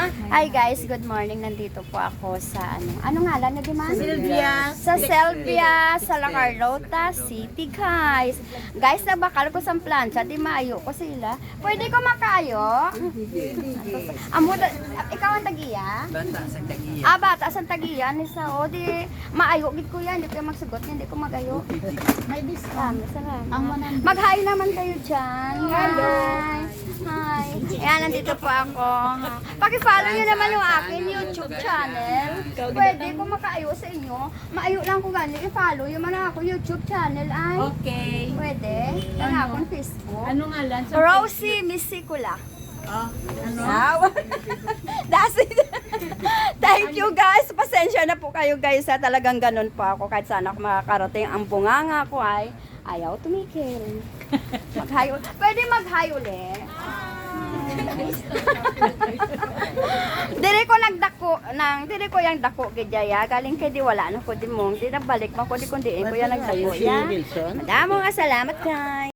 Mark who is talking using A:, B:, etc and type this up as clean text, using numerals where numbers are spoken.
A: Hi guys, good morning. Nandito po ako sa ano ngalan na Diman?
B: Sylvia.
A: Sa Sylvia, sa La Carlota City, guys. Guys, nabakal ko sa plancha, di maayo ko sila. Pwede ko makayo? Amo, ikaw ang tagiya?
B: Bata sa tagiya.
A: Bata sa tagiya ni sa o di maayo gid ko yan, hindi ko magsugot, hindi ko magayo.
B: May discount.
A: Salamat. Mag-hi naman kayo diyan. Hello. Hi. Ayan, nandito po ako. Paki-follow niyo naman yung akin YouTube channel. Pwede ko makaayo sa inyo. Maayo lang ko gani i-follow yung mga ako YouTube channel ay.
B: Okay.
A: Pwede. Yung akong Facebook.
B: Ano nga lang?
A: Rosie Misicula.
B: Ano?
A: That's it. Thank you guys. Pasensya na po kayo guys. Talagang ganun po ako. Kahit saan ako makakarating. Ang bunganga ko ay ayaw tumikil. Mag-hi. Pwede mag-hi ulit. Dire ko nagdako dire ko yang dako gidya galing kay di wala na ko di mong di nabalik man ko di kundi ko yang nagdako ya. Madamong salamat guys.